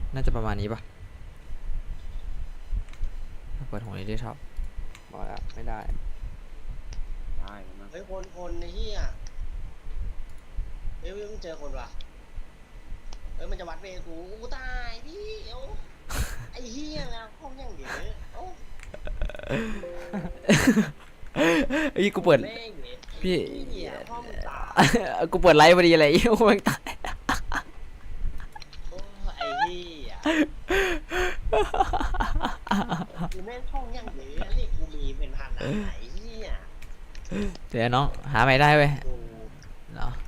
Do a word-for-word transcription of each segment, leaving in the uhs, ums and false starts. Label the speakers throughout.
Speaker 1: น่าจะประมาณนี้ปะเปิดหัวนี้ได้ชอบบอกแล้วไม่ได้
Speaker 2: ได้แล้วนะ
Speaker 3: เฮ้ยคนคนไอ้เหี้ยเฮ้ยมึงเจอคนวะเฮ้ยมันจะวัดเวกูกูตายพี่เอ้าไอ้เหี้ยแล้วห้องยังเดี๋ยวเอ้า
Speaker 1: ไอ้กูเปิดพี่
Speaker 3: ห้องมึงตาย
Speaker 1: กูเปิดไลฟ์พอดีอะไรอีกูแม่งตาย
Speaker 3: โอ้ไอ้เหี้ยกูแม่งห้องยังเดี๋ยวนี่กูมีเป็นพันอ่ะไอ้เหี้ย
Speaker 1: เดี๋ยวน้องหาใหม่ได้เว้ยเนาะ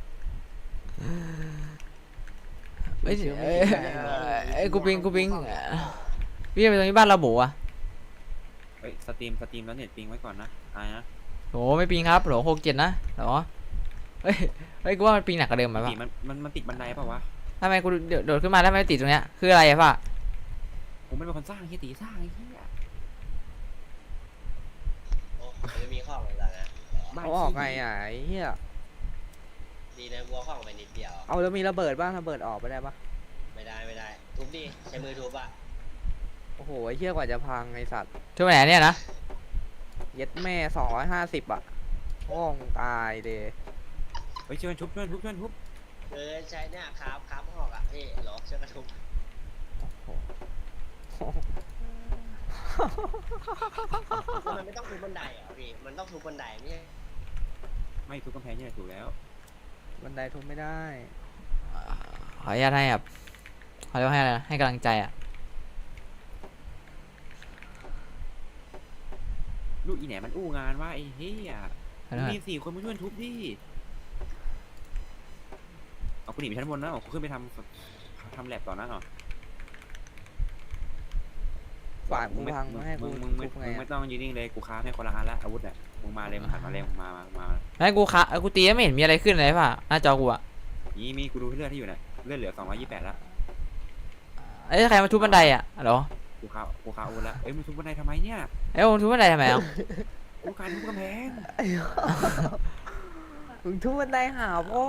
Speaker 1: เอ้ยเอ้ยเอ้ยกูปิงกูปิงพี่ไปตรงนี้บ้านเราหมูอ่ะ
Speaker 2: เฮ้ยสตรีมสตรีมแล้วเน็ตปิงไว้ก่อนนะอายนะ
Speaker 1: โหไม่ปิงครับโหหกเจ็ดนะเหรอเฮ้ยเฮ้ยกูว่ามันปิงหนักกว่าเดิมไหม
Speaker 2: ปก
Speaker 1: ปะ
Speaker 2: ติมันมันมันติดบันไดเปล่าวะ
Speaker 1: ทำไมกูโดดขึ้นมาแล้วไม่ติดตรงเนี้ยคืออะไรอะป่ะ
Speaker 2: ผมไม่เป็นคนสร้างเฮียตีสร้างไอ้เหี้ย
Speaker 3: โอ้ไม่มีข้อเหมือนกันนะ
Speaker 4: เอาออกไงอ่ะไอ้เหี้ย
Speaker 3: ดีนะกูเอาข้องไปนิดเดียว
Speaker 4: เอาแล้วมีระเบิดบ้างระเบิดออกไปได้ปะ
Speaker 3: ไม่ได้ไม่ได้ทุบดิใช้มือทุบอะ
Speaker 4: โอ้โหไอ้เหี้ยกว่าจะพังไอ้สัตว์
Speaker 1: ทุกไหนเนี่ยนะ
Speaker 4: เย็ดแม่สองร้อยห้าสิบอ่ะห้องตายเดย
Speaker 2: เฮ้ยช่วยทุบช่วยทุบช่วยทุบ
Speaker 3: เออใช้เนี่ยครับครับหอกอะพี่หรอช่วยกระทุบมันไม่ต้องทุบบันไดเหรอพี่มันต้องทุบบันไดไม่ใช่
Speaker 2: ไม่ทุบกำแพงนี่แหละถูกแล้ว
Speaker 4: บันไดทุบไม่ได้
Speaker 1: ขออนุญาตให้แบบเขาเรียกว่าให้อะไรนะให้กำลังใจอะ
Speaker 2: ลูกอีแหนมันอู้งานว่าไอ้เหี้ยมีสี่คนมาช่วยทุบดิเอาคุณหนีไปชั้นบนนะเอาขึ้นไปทำทำแลบต่อหน้าหน่อย
Speaker 4: ฝากมึงพังมาให้กู
Speaker 2: มึงมึงมึงไม่ต้องยืนนิ่งเลยกูค้าให้คนละอันละอาวุธเนี่ยมึงมาเลยมึงหันมาเลยมึงมามามา
Speaker 1: ไม่กูคะกูตีไม่เห็นมีอะไรขึ้นเลยป่ะหน้าจอกูอะ
Speaker 2: นี่มีกูดูเลือดที่อยู่เนี่ยเลือดเหลือสองร้อยยี่สิบแปดแล้ว
Speaker 1: เอ้ยใครมาทุบบันไดอะเหรอ
Speaker 2: กูค้ากูค้าอาวุธแล้วเอ้ยมึงทุบบันไดทำไมเนี่ย
Speaker 1: เอ้ยมึงทุบบันไดทำไมอ่ะ
Speaker 2: กูการทุบกำแพง
Speaker 4: มึงทุบบันไดหาพ่อ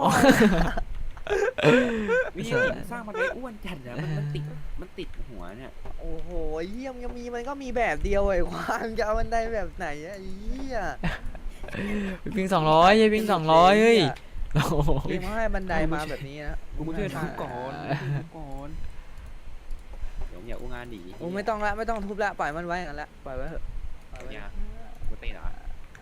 Speaker 2: วิธีสร้างบันไดอ้วนจัดอะมันมันติดมันติดหัวเนี่ย
Speaker 4: โอ้โหเยี่ยมยังมีมันก็มีแบบเดียวไอ้ควางจะเอาบันไดแบบไหนอะไอ้เหี้ย
Speaker 1: ปิงสองร้อยยัยปิงสองร้อยเฮ้ย
Speaker 4: เกมให้บันไดมาแบบนี้นะ
Speaker 2: กูมาช่วยทุบก่อนทุบก่อนเดี๋ยวอย่าอู้งานดี
Speaker 4: โอ้ไม่ต้องละไม่ต้องทุบละปล่อยมันไว้กันละปล่อยไว้เถอะ
Speaker 2: ปล่อยไว้กูเตะเหรอ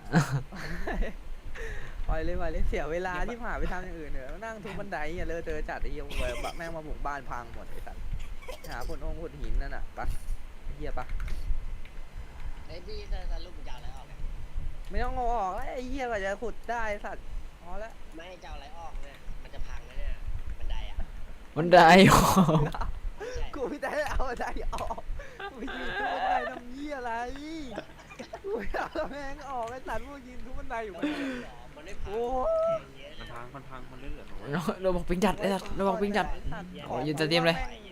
Speaker 4: ปล่อยเลยปล่อยเลยเสียเวลาที่ผ่านไปทำอย่างอื่นเถอะนั่งทุบบันไดอย่าเลอะเทอะจัดไอ้เหี้ยแบบแม่งมาบุกบ้านพังหมดไอ้สัตว์หาผลองผลหินนั่นน่ะปะเหี้ยปะ
Speaker 3: ไอ้พี่จะลูกมึงจะเอาอะไรออกเนี่ย
Speaker 4: ไม่ต้องงอออกไอ้เหี้ยกว่าจะขุดได้สัตว์พอแล้ว
Speaker 3: ไม่จะเอาอะไรออกเนี่ยมันจะพังแล้วเนี่ยบันไดอะ
Speaker 1: บันได
Speaker 4: กูไม่ได้เอาบันไดออกกูยืนทุบบันไดทำเหี้ยอะไรกูเอาแม่งออกไอ้สัตว์พวกยืนทุบบันไดอยู่มัน
Speaker 3: โอ้
Speaker 2: มันพังมันพังมันเลื่อนเหลือ
Speaker 1: เราบอกปิงจัดไอ้สัตว์เราบอกปิงจัดอ๋อยืนจะเตรียมเลย